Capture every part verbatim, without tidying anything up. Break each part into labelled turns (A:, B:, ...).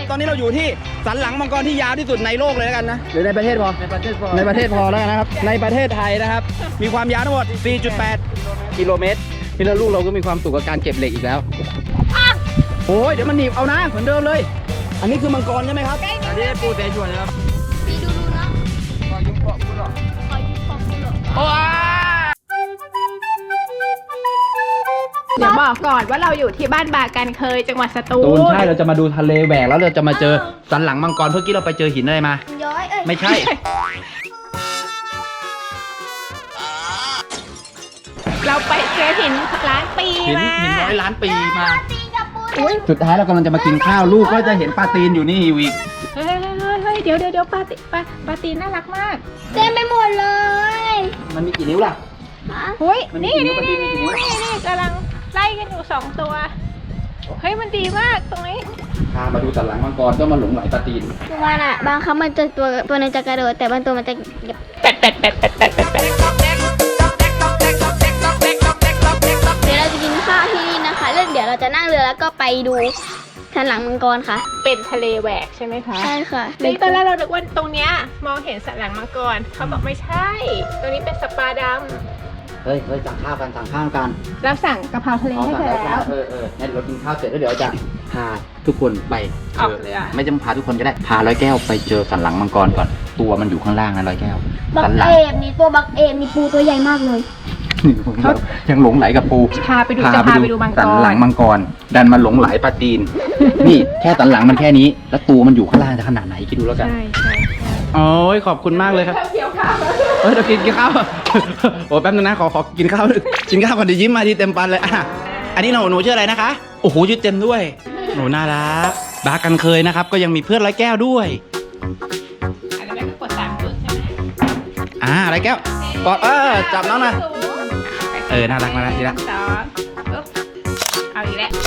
A: ตอนนี้เราอยู่ที่สันหลังมังกรที่ยาวที่สุดในโลกเลยแล้วกันนะหรือในประเทศพอในประเทศพอในประเทศพอแล้วกันนะครับในประเทศไทยนะครับมีความยาวทั้งหมด สี่จุดแปด กิโลเมตรนี่แล้วลูกเราก็มีความสุขกับการเก็บเหล็กอีกแล้วโอ้ยเดี๋ยวมันหนีบเอานะเหมือนเดิมเลยอันนี้คือมังกรใช่ไหมครับอันนี้ปูเตชวนนะครับ
B: มีดูดูนะขอยุบเกาะกูหรอขอยุบเกาะกูหรอโอ้เดี๋ยวบอกก่อนว่าเราอยู่ที่บ้านบากันเคยจังหวัดสตูล
A: ใช่เราจะมาดูทะเลแหวกแล้วเราจะมาเจอสันหลังมังกรเมื่อกี้เราไปเจอหินอะไรมาย้อยเอ้ยไม่ใช่
B: เราไปเจอหินล้านปีมา
A: หินร้อยล้านปีมาสุดท้ายเรากำลังจะมากินข้าวลูกก็จะเห็นปลาตีนอยู่นี่อีก
B: เฮ้ยเฮ้ยเดี๋ยวเดี๋ยวปลาตีปลาปลาตีนน่ารักมากเต็มไปหมดเลย
A: มันมีกี่นิ้วล่ะ
B: เฮ้ยนี่นี่นี่นี่นี่กำลังไล่กันอยู่สองตัวเฮ้ยมันดีมากตรงนี้
A: พามาดูสันหลังมังกรก็มาหลงไหลปลาตีน
C: คือมันอ่ะบางครั้งมันจะตัวตัวนึงจะกระโดดแต่บางตัวมันจะ
B: แปดแปดแปดแปดแปดแปดแปด
C: เดี๋ยวเราจะกินข้าวที่นี่นะคะแล้วเดี๋ยวเราจะนั่งเรือแล้วก็ไปดูสันหลังมังกรค่ะ
B: เป็นทะเลแหวกใช่ไหมคะ
C: ใช่ค่ะ
B: ในตอนแรกเราคิดว่าตรงเนี้ยมองเห็นสันหลังมังกรเขาบอกไม่ใช่ตรงนี้เป็นสปาดำ
A: เฮ้ยเฮ้ยสั่งข้าวกันสั่งข้าวกัน
B: เราสั่งกะเพราทะเลให้เธอแล้ว
A: เออเอองั้นเรากินข้าวเสร็จแล้วเดี๋ยวจะพาทุกคนไป
B: ออกเรือ
A: ไม่จำพาทุกคนก็ได้พาร้อยแก้วไปเจอสันหลังมังกรก่อนตัวมันอยู่ข้างล่างนะร้อยแก้ว
C: บักเอมนี่ตัวบักเอมนี่ปูตัวใหญ่มากเลย
A: เขายังหลงไหลกับปู
B: พาไปดูจะพาไปดูมังกร
A: สันหลังมังกรดันมาหลงไหลปลาตีนนี่แค่สันหลังมันแค่นี้แล้วตัวมันอยู่ข้างล่างจะขนาดไหนคิดดูแล้วกัน
B: ใช่ใช่
A: โอ้ยขอบคุณมากเลยครับ
B: เกี่ยวข้าว
A: เฮ้ยเดี๋ยวกินกินข้าวโอ้แป๊บนึงนะขอขอกินข้าวกินข้าวก่อนเดี๋ยวยิ้มมาทีเต็มปันเลยอ่ะอันนี้หนูหนูชื่ออะไรนะคะโอ้โหชื่อเต็มด้วยหนูน่ารักบากันเคยนะครับก็ยังมีเพื่อนร้อยแก้วด้วย
B: อันนี้ก็กดสามจุดใช่ไหม
A: อ่าร้อยแก้วกอดเออจับน้องนะเออน่ารักน่ารักดีละ
B: สองเอาอีกแล้ว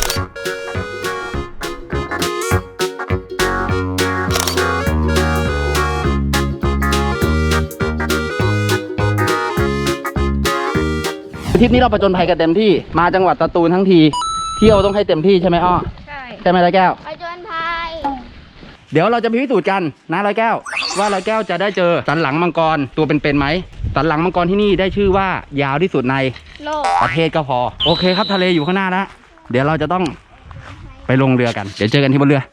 A: ทริปนี้เราประจนภัยกันเต็มที่มาจังหวัดสตูลทั้งทีเที่ยวต้องให้เต็มที่ใช่ไหมอ้อ
B: ใช่
A: ใช่ไหมร้อยแก้ว
C: ประจนภัย
A: เดี๋ยวเราจะพิสูจน์กันนะร้อยแก้วว่าร้อยแก้วจะได้เจอสันหลังมังกรตัวเป็นๆไหมสันหลังมังกรที่นี่ได้ชื่อว่ายาวที่สุดใน
C: โลก
A: ประเทศก็พอโอเคครับทะเลอยู่ข้างหน้าแล้วเดี๋ยวเราจะต้องไปลงเรือกันเดี๋ยวเจอกันที่บนเรือ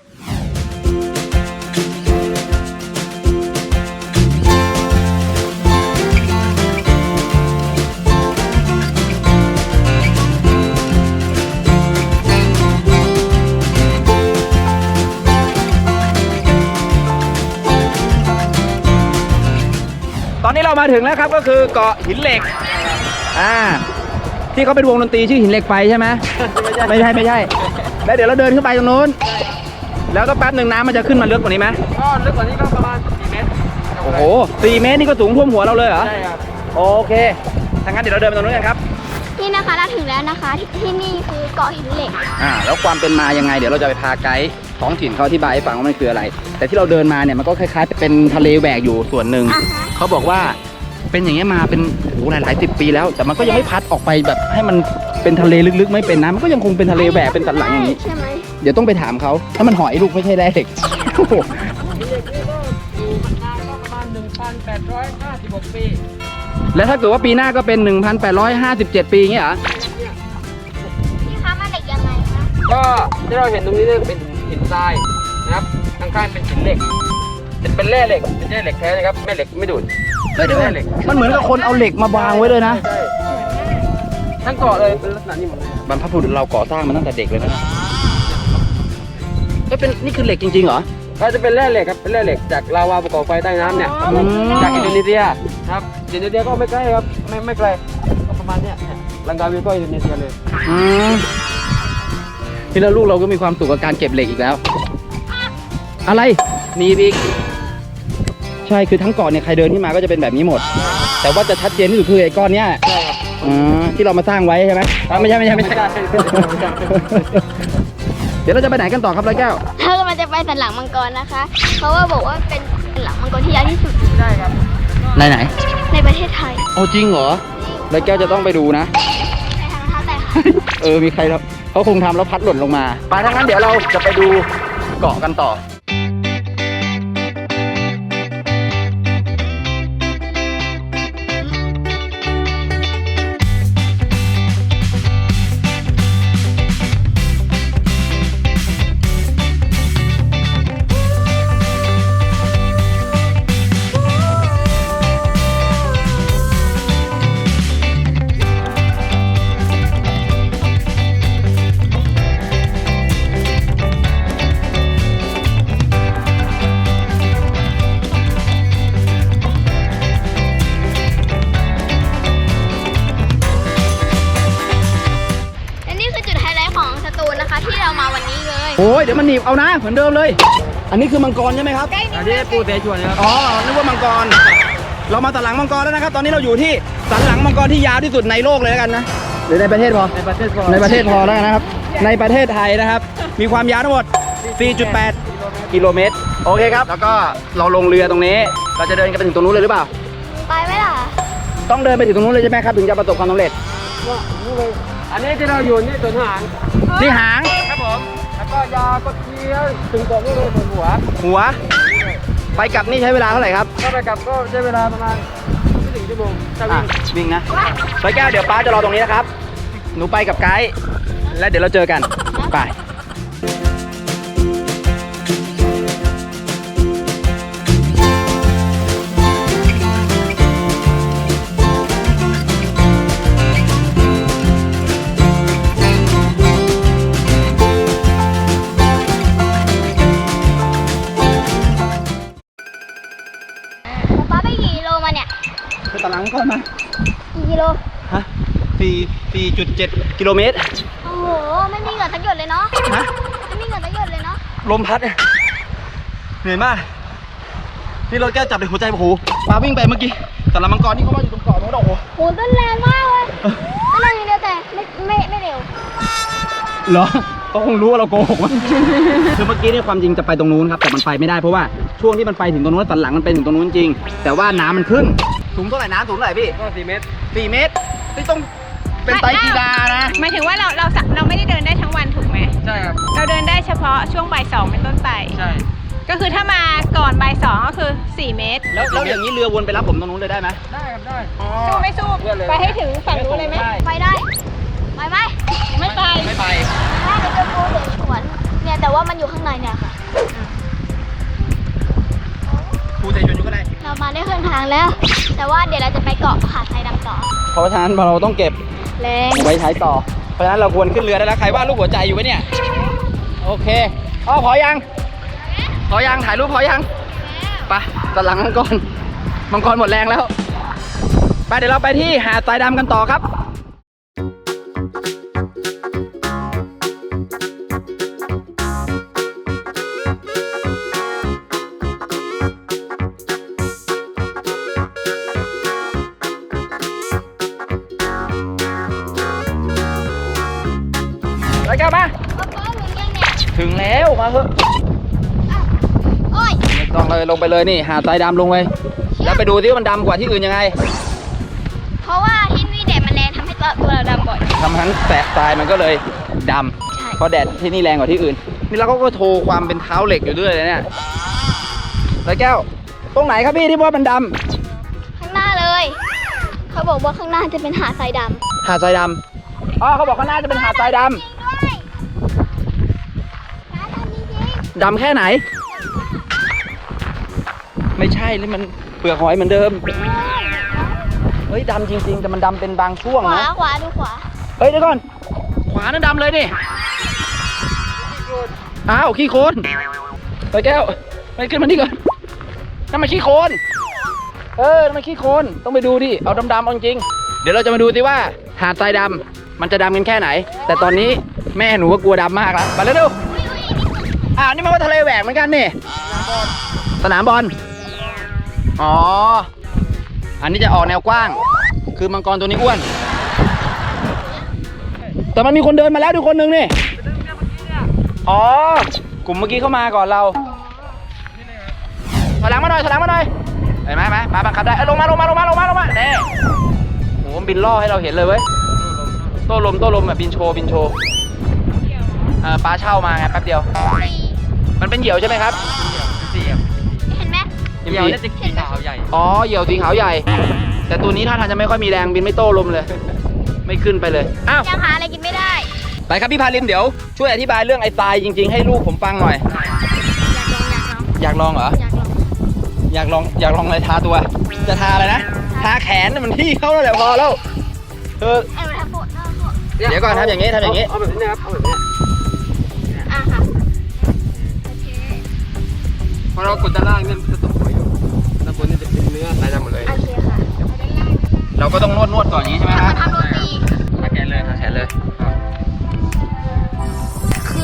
A: ตอนนี้เรามาถึงแล้วครับก็คือเกาะหินเหล็กอ่าที่เขาเป็นวงดนตรีชื่อหินเหล็กไฟใช่ไหมไม่ใช่ไม่ใช่แล้วเดี๋ยวเราเดินขึ้นไปตรงนู้นแล้วก็แป๊บหนึ่งน้ำมันจะขึ้นมาลึกกว่านี้ไหม
D: ก็ลึกกว่านี้ก็ประมาณสี่เมตร
A: โอ้โหสี่เมตรนี่ก็สูงท่วมหัวเราเลยเหรอ
D: ใช่ครับ
A: โอเคถ้างั้นเดี๋ยวเราเดินไปตรงนู้นกันครับ
C: นี่นะคะเราถึงแล้วนะคะที่นี่คือเกาะหินเหล็ก
A: อ่าแล้วความเป็นมายังไงเดี๋ยวเราจะไปพาไกด์ท้องถิ่นเขาอธิบายให้ฟังว่ามันคืออะไรแต่ที่เราเดินมาเนี่ยมันก็คล้ายๆเป็นทะเลแหวกอยู่ส่วนหนึ่งเขาบอกว่าเป็นอย่างเงี้ยมาเป็นโอ้หลายๆสิบปีแล้วแต่มันก็ยังไม่พัดออกไปแบบให้มันเป็นทะเลลึกๆไม่เป็นนะมันก็ยังคงเป็นทะเลแหวกเป็นสันหลังอย่างนี้
C: ใช่ไหม
A: เดี๋ยวต้องไปถามเขาถ้ามันหอยลูกไม่ใช่แร่เหล็กแล้วถ้าเกิดว่าปีหน้าก็เป็นหนึ่งพันแปดร้อยห้าสิบเจ็ดปีอย่างเงี้ยเหรอ
C: พี่คะมันเหล็กยังไงคะ
D: ก็ที่เราเห็นตรงนี้เนี่ยเป็นหินทรายนะครับข้างๆเป็นหินเหล็กเป็นแร่เหล็กเป็นแร่เหล็กแท้นะครับแม่เหล็กไม่ดูด
A: ไม่ดูดมันเหมือนกับคนเอาเหล็กมาวางไว้เลยนะ
D: ทั้งเกาะเลยเป็นลักษณะนี้หมดเลย
A: บรรพบุรุษเราก่อสร้างมาตั้งแต่เด็กเลยนะก็เป็นนี่คือเหล็กจริงๆเหรอ
D: ก็จะเป็นแร่เหล็กครับเป็นแร่เหล็กจากลาวาภูเขาไฟใต้น้ำเนี่ยจากอินโดนีเซียครับอินโดนีเซียก็ไม่ใกล้ครับไม่ไม่ไกลก็ประมาณเนี้ยลังกาวีก็อินโดนีเซียเลย
A: ที่แล้วลูกเราก็มีความสุขกับการเก็บเหล็กอีกแล้วอะไรนี่บิ๊กใช่คือทั้งเกาะเนี่ยใครเดินที่มาก็จะเป็นแบบนี้หมดแต่ว่าจะชัดเจนที่สุดคือไอ้ก้อนเนี้ยอ๋อที่เรามาสร้างไว้ใช่ไหมไม่ใช่ไม่ใช่ไม่ใช่เดี๋ยวเราจะไปไหนกันต่อครับร้อยแก้ว
C: ถ้าเราจะไปสันหลังมังกรนะคะเพราะว่าบอกว่าเป็นสันหลังมังกรที่ยาวที่สุด
D: ใช่ครับ
A: ในไหน
C: ในประเทศไทย
A: โอ้จริงเหรอร้อยแก้วจะต้องไปดูนะ
C: ใครทำเท้าแต่
A: เออมีใครครับเขาคงทำแล้วพัดหล่นลงมาไปทั้งนั้นเดี๋ยวเราจะไปดูเกาะกันต่อ
C: นะคะที่เรามาวันนี้เลย
A: โอ้ยเดี๋ยวมันหนีบเอานะเหมือนเดิมเลย อันนี้คือมังกรใช่ไหมครับ
D: อันนี้ปูเสฉวนครับ
A: อ๋อนึกว่ามังกร เรามาสันหลังมังกรแล้วนะครับ ตอนนี้เราอยู่ที่สันหลังมังกรที่ยาวที่สุดในโลกเลยแล้วกันนะหรือในประเทศพอ
D: ในประเทศพอ
A: ในประเทศพอแล้วกันนะครับ ในประเทศไทยนะครับ มีความยาวทั้งหมด สี่จุดแปด กิโลเมตร โอเคครับ แล้วก็เราลงเรือตรงนี้ เราจะเดินกันไปถึงตรงนู้นเลยหรือเปล่า
C: ไปไหมล่ะ
A: ต้องเดินไปถึงตรงนู้นเลยใช่ไหมครับ ถึงจะประสบความสำเร็จ
D: อันนี้ที่เราอยู่นี่ส่วนหาง
A: ที่หาง
D: ครับผมแล้วก็ยาวก็เที่ยวถึงตรงนี้เลยส่วนหัว
A: หัว ไปกลับนี่ใช้เวลาเท่าไหร่ครับ
D: ก็ไปกลับก็ใช้เวลาประมาณไม่ถึงชั่วโมงถ้า
A: อ่ะ
D: วิ่ง
A: วิ่งนะร้อยแก้วเดี๋ยวป้าจะรอตรงนี้นะครับ หนูไปกับไกด์แล้วเดี๋ยวเราเจอกัน ไป
C: ป๊าไปกี่กิโลมาเนี่ย
A: คือตารางก่อนมา
C: กี่กิโล
A: ฮะสี่สี่จุดเจ็ดกิโลเมตร
C: โอ้โห ไม่มีเหงื่อสักหยดเลยเนาะ
A: ฮะ
C: ไม่มีเหงื่อสักหยดเลยเนาะ
A: ลมพัดเนี่ยเหนื่อยมาก นี่เราแก้จับในหัวใจโอ้โหปลาวิ่งไปเมื่อกี้แต่ละมังกรที่เขาว่าอยู่ตรงเกาะโน้นโอ้โห
C: โหต้นแรงมากเลยต้นแรงอย่างเดียวแต่ไม่ไม่ไม่เร็ว
A: เหรอเขาคงรู้ว่าเราโกหกมั้ง คือเมื่อกี้เนี่ยความจริงจะไปตรงนู้นครับ แต่มันไปไม่ได้เพราะว่าช่วงที่มันไปถึงตรงนู้นสันหลังมันไปถึงตรงนู้นจริง แต่ว่าน้ำมันขึ้น สูงเท่าไหร่น้ำสูงเท่าไหร่พี่
D: ก็สี่เมตร
A: สี่เมตรนี่ต้องเป็นไตรกีฬานะ
B: หมายถึงว่าเราเราสะเราไม่ได้เดินได้ทั้งวันถูกไหม
D: ใช่ครับ
B: เราเดินได้เฉพาะช่วงบ่ายสองเป็นต้นไป
D: ใช่
B: ก็คือถ้ามาก่อนบ่ายสองก็คือสี่เมตร
A: แล้วแล้วอย่างนี้เรือวนไปรับผมตรงนู้นเลยได้ไหม
D: ได้ครับได้
B: สู้ไม่สู้
D: เพื่อนเลย
B: ไปให้ถึงฝั่งนู้นเลยไหม
C: ไปได้ ไปไหม
B: ไม่ไป
A: ไม่ไป
C: ได้เดี๋ยวจะปูเด็กสวนเนี่ยแต่ว่ามันอยู่ข้างในเนี่ยค่ะ
A: ภูใจชนอยู่ก็ได้
C: เรามาได้ครึ่งทางแล้ว แต่ว่าเดี๋ยวเราจะไปเกาะหาดทรายดำต่อ
A: เพราะฉะนั้นเราต้องเก็บ
C: แรง
A: ไว้ใช้ต่อ เพราะฉะนั้นเราควรขึ้นเรือได้แล้ว ใครว่ารูปหัวใจอยู่ไหมเนี่ย โอเคอ๋อพอยัง พอยัง ถ่ายรูปพอยังไปตะหลังมังกร มังกรหมดแรงแล้ว ไปเดี๋ยวเราไปที่หาดทรายดำกันต่อครับ ไปกันมา
C: ป๊าป๊าหมุนยังเนี่ย
A: ถึงแล้วมาเถอะ
C: โอ้ย
A: ไม่ต้องเลยลงไปเลยนี่หาดทรายดำลงไปแล้วไปดูที่ว่ามันดำกว่าที่อื่นยังไง
C: เพราะว่าที่นี่แดดมันแรงทำให้ตัวตัวเราดำบ่อย
A: ทำให้แสะทรายมันก็เลยด
C: ใช่
A: ำเพราะแดดที่นี่แรงกว่าที่อื่น นี่เราก็โทรความเป็นเท้าเหล็กอยู่ด้วยเลยเนี่ยร้อยแก้ว ตรงไหนครับพี่ที่ว่ามันด
C: ข้างหน้าเลย เขาบอกว่าข้างหน้าจะเป็นหาดทรายดำ
A: ำหาดทรายดำอ๋อเขาบอกข้างหน้าจะเป็นหาดทรายด
C: จริงด้วยหาดดำจริง
A: ำดำแค่ไหน ไม่ใช่เลยมันเปลือกหอยเหมือนเดิม เฮ้ยดำจริงๆแต่มันดำเป็นบางช่วง
C: ๆขวา
A: นะ
C: ขวาดูขวา
A: เฮ้ยเดี๋ยวก่อน ขวานั่นดำเลยนี่ อ้าวขี้โคลนไปแก้วไปขึ้นมานี่ก่อนนั่นมันขี้โคลนเออนั่นมันขี้โคลนต้องไปดูดิ เอาดำๆเอาจริง เดี๋ยวเราจะมาดูสิว่าหาดทรายดำมันจะดำกันแค่ไหน แต่ตอนนี้แม่หนูก็กลัวดำมากแล้วไปแล้วดูอ้าวนี่มันก็ทะเลแหวกเหมือนกันนี่ สนามบอล อ๋อ อันนี้จะออกแนวกว้าง คือมังกรตัวนี้อ้วน แต่มันมีคนเดินมาแล้วดูคนหนึ่งนี่ อ๋อ กลุ่มเมื่อกี้เข้ามาก่อนเราถอยหลังมาหน่อยถอยหลังมาหน่อย เห็นไหมไหมปลาบังคับได้เอ้ยลงมาลงมาลงมาลงมาลงมาเน่โอ้โหบินล่อให้เราเห็นเลยเว้ย โต้ลมโต้ลมแบบบินโชว์บินโชว์เอ่อปลาเช่ามาไงแป๊บเดียว มันเป็นเหยี่ยวใช่ไหมครับ
C: เห็นไหม
D: เดี๋ยวนี่จะสีขาวใหญ่
A: อ๋อ เหยี่ยวสีขาวใหญ่ แต่ตัวนี้ท่าทางจะไม่ค่อยมีแรงบินไม่โต้ลมเลย ไม่ขึ้นไปเลย อ้าว
C: ยังหาอะไรกินไม่ได้
A: ไปครับพี่พาลิมเดี๋ยวช่วยอธิบายเรื่องไอ้ทรายจริงๆให้ลูกผมฟังหน่อย
C: อยากลองอยากลอง
A: อยากลองเหรอ
C: อยากลอง
A: อยากลองอะไรทาตัว จะทาอะไรนะ ทาแขนมันที่เขาแล้วแหละพอแล้วเออ
C: ไอ้เวลาปวดหน้าปวด
A: เดี๋ยวก่อนทำอย่างนี้ทำอย่างนี้
D: เอาแบบนี้นะครับเอาแบบนี้
C: อ่ะค่ะโอเค
D: พอเรากดด้านล่างเนี่ยมันจะตกหัวอยู่ด้านบนนี่จะเป็นเนื้อลายดำหมดเลย
C: โอเคค่ะ
A: เราก็ต้องนวดนวดๆก่อนอย่างนี้ใช่ไหมค
C: มา
A: รับ
C: ทำโรตี
A: ทาแขนเลยทาแขนเลย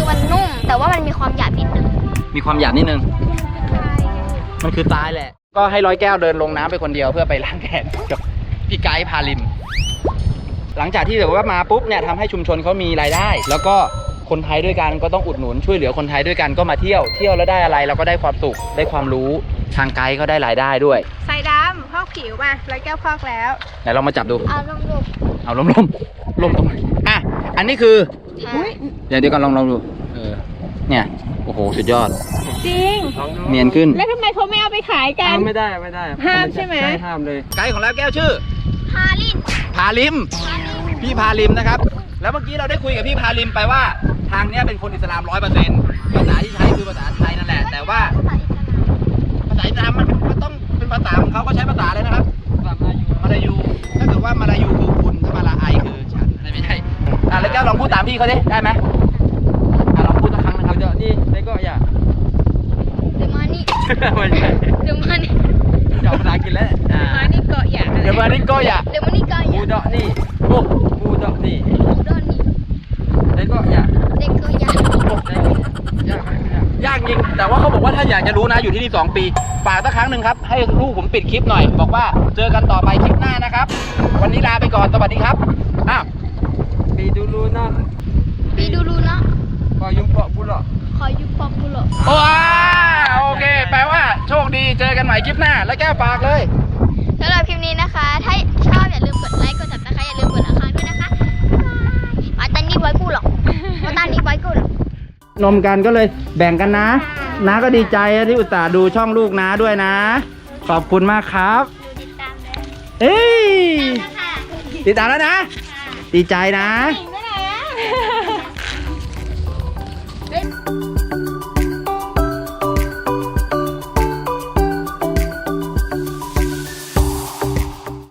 C: แต่ว่ามันมีความหยาบนิดนึง
A: มีความหยาบนิดนึง มันคือตายแหละ ก็ให้ร้อยแก้วเดินลงน้ำไปคนเดียวเพื่อไปล้างแขนกับพี่ไกด์พาลิม หลังจากที่แบบว่ามาปุ๊บเนี่ยทำให้ชุมชนเขามีรายได้ แล้วก็คนไทยด้วยกันก็ต้องอุดหนุนช่วยเหลือคนไทยด้วยกันก็มาเที่ยวเที่ยวแล้วได้อะไรเราก็ได้ความสุขได้ความรู้ทางไกด์ก็ได้รายได้ด้วย
B: ใส่ดำพอกผิวมาร้อยแก้วพอกแล้ว
A: ไหนลองมาจับดู
C: เอาลงดู
A: เอาล้มล้มล้มตรงไหนอ่ะอันนี้คือ
C: อุ๊ย
A: เดี๋ยวเดี๋ยวก่อนลองลองดูเออเนี่ยโอ้โหสุดยอด
B: จริง
D: ลองดู
A: เนียนขึ้น
B: แล้วทำไมเขาไม่เอาไปขายกัน
D: เอาไม่ได้ไม่ได้
B: ห้ามใช่ไหม
D: ใช่ห้ามเลย
A: ไกด์ของเราแก้วชื่อ
C: พาลิน
A: พาลิม พี่พาลิมนะครับ แล้วเมื่อกี้เราได้คุยกับพี่พาลิมไปว่าทางเนี้ยเป็นคนอิสลามร้อยเปอร์เซ็นต์ภาษาที่ใช้คือภาษาไทยนั่นแหละ แต่ว่าภาษาอิสลามมันมันต้องเป็นภาษาของเขาก็ใช้ภาษาเลยนะครับมาลายูถ้าเกิดว่ามาลายูคือคุณถ้ามาลาไอคือฉันอะไรไม่ใช่อ่ะแล้วแก้วลองพูดตามพี่เขาดิได้ไหมอ่ะลองพูดสักครั้งนะครับ
D: เดี๋ยวนี่แล้วก็อย่า
C: เดี๋ยวมานี่
D: ไม่ใช่
C: เดี๋ยวมานี่
D: อย่าภาษาอังกฤษแล้วอ่า
B: มานี่เกาะอย่างอะไร
A: เดี๋ยวมานี่ก็อย่า
C: เดี๋ยวมานี่ก็อ
D: บู
C: ย่า
D: ดอกนี่โอ้บูดอกนี่
C: โดนนี่
D: แล้วก็อย่า
C: เด็กก็อย่า
D: อย่าอย่าย
A: ากจริง แต่ว่าเขาบอกว่าถ้าอยากจะรู้นะอยู่ที่นี่สองปีฝากสักครั้งหนึ่งครับ ให้ลูกผมปิดคลิปหน่อย บอกว่าเจอกันต่อไปคลิปหน้านะครับ วันนี้ลาไปก่อนสวัสดีครับอ้าว
D: ปีดูรูนะ
C: ปีดูรูเนาะ
D: พอยุ่งเปาะบุหรี่
C: ขอยุบปอกกูเหรอ
A: ว้าโอเค แปลว่าโชคดีเจอกันใหม่คลิปหน้า แล้วแก้วฝากเลย
C: สำหรับคลิปนี้นะคะ ถ้าชอบอย่าลืมกดไลค์กดซับสไครต์อย่าลืมกดละครั้งด้วยนะคะมาตันนี่ไว้กูหรอกมาตันนี่ไว้กูหรอก
A: นมกันก็เลยแบ่งกันนะน้าก็ดีใจที่อุตส่าห์ดูช่องลูกน้าด้วยนะ ขอบคุณมากครับ
C: ติดตามเลย
A: เอ้ย
C: นะคะ
A: ติดตามแล้วนะ ดีใจนะ
C: จริง